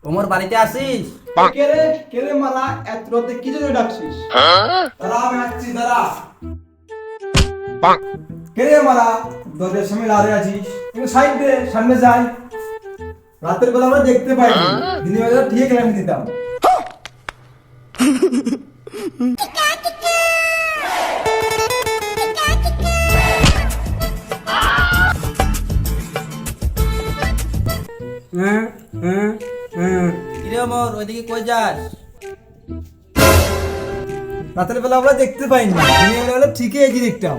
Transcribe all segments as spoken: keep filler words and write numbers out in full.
ওমর বাড়িতে আসিস? কে রে কে রে মালা এত রাতে কি জন্য ডাকছিস? দাঁড়া আমি আসছি দাঁড়া। কে রে মালা দরজার সামনে দাঁড়িয়ে আছিস? একটু সাইড দে, সামনে যাই। রাতের বেলা আমরা দেখতে পাই, দিনের বেলা ঠিক আমি দিতাম। হ্যাঁ হ্যাঁ হ্যাঁ। কিরে ওমর, ওইদিকে কই যাস? রাতের বেলা আমরা দেখতে পাইনি, দিনের বেলা ঠিকই এই যে দেখতাম।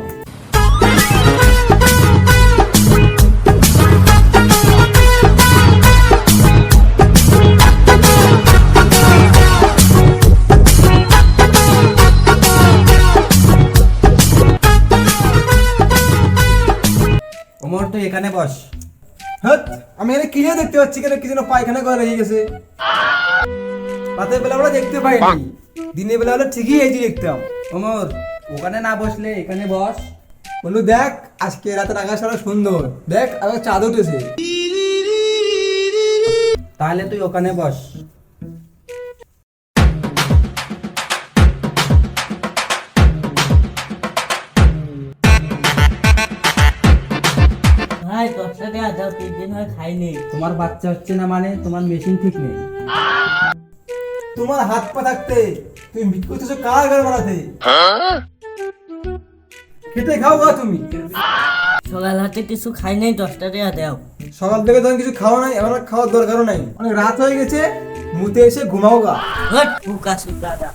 ওমর তুই এখানে বস। হ্যাঁ আমি এখানে কি যেন দেখতে পাচ্ছি, কেন কি যেন পায়খানা করে রেখে গেছে। রাতের বেলা আমরা দেখতে পাইনি, দিনের বেলা হলে ঠিকই এই যে দেখতাম। ওমর ওখানে না বসলে এখানে বস। বললো দেখ আজকে রাতের আকাশ অনেক সুন্দর, দেখ আবার চাঁদ উঠেছে। তাহলে তুই ওখানে বস। ভাই দশটা টাকা দাও, তিন দিন হয় খাইনি। তোমার বাচ্চা হচ্ছে না মানে তোমার মেশিন ঠিক নেই। তোমার হাত পা থাকতে তুমি বিট করতেছো কার ঘর বানাতে? খেতে খাও গা তুমি। সকাল হাতে কিছু খাই নাই, দশটা টাকা দাও। সকাল থেকে তখন কিছু খাওয়া নাই, এবার আর খাওয়ার দরকারও নাই, অনেক রাত হয়ে গেছে, মুতে এসে ঘুমাও গা। হট বুকা সুদাদা।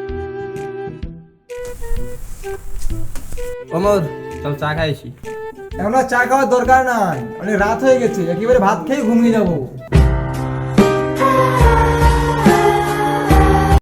ওমর চল চা খাইছি। এখন আর চা খাওয়ার দরকার নাই, অনেক রাত হয়ে গেছে, একেবারে ভাত খেয়ে ঘুমিয়ে যাবো।